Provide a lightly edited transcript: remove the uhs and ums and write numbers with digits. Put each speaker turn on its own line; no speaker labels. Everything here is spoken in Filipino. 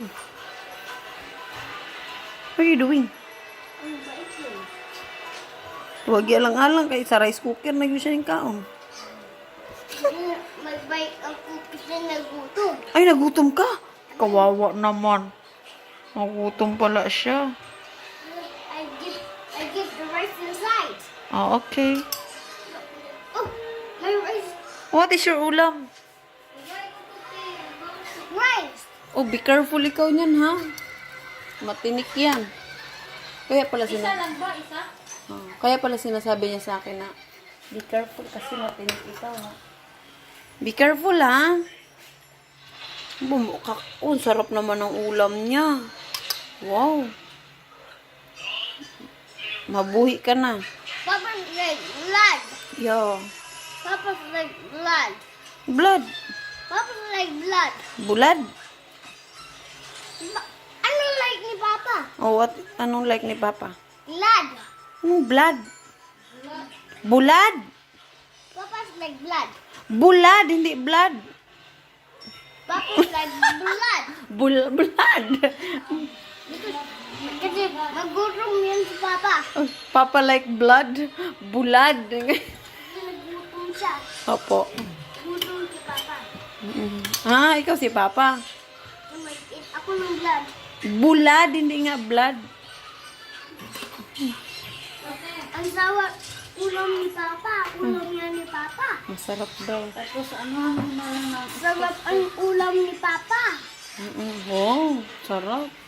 What are you doing?
I'm biting.
Huwag alang-alang kay sa rice cooker na yun siya yung kaon.
Magbike ang cookies na nagutom.
Ay, nagutom ka? Kawawa naman. Nagutom pala siya.
I give the rice inside.
Ah, okay.
Oh, my rice.
What is your ulam?
Rice.
Oh, be careful ikaw niyan, ha? Matinik yan. Kaya pala
Isa lang ba? Isa?
kaya pala sinasabi niya sa akin na be careful kasi matinik ikaw, ha? Be careful, ha? Bumukak. Oh, sarap naman ng ulam niya. Wow. Mabuhi ka na.
Papa's like blood.
Yo.
Papa's like blood.
Blood.
Papa's like blood.
Bulad.
Ano like ni Papa?
Oh, what? Anong like ni Papa?
Blood.
Anong blood? Bulad.
Papa's like blood.
Bulad, hindi blood.
Papa's like blood.
Blood.
Kasi nagutom yan si Papa.
Oh, Papa like blood. Bulad.
Nagutom siya.
Opo.
Nagutom si Papa.
Ah, ikaw si Papa.
Mag-eat ako ng blood.
Bulad, hindi nga blood.
Ang sawa ulam ni Papa. Ulam niya ni Papa.
Masarap daw.
Tapos ano na lang na
Sarap ang ulam ni Papa.
Oh, sarap.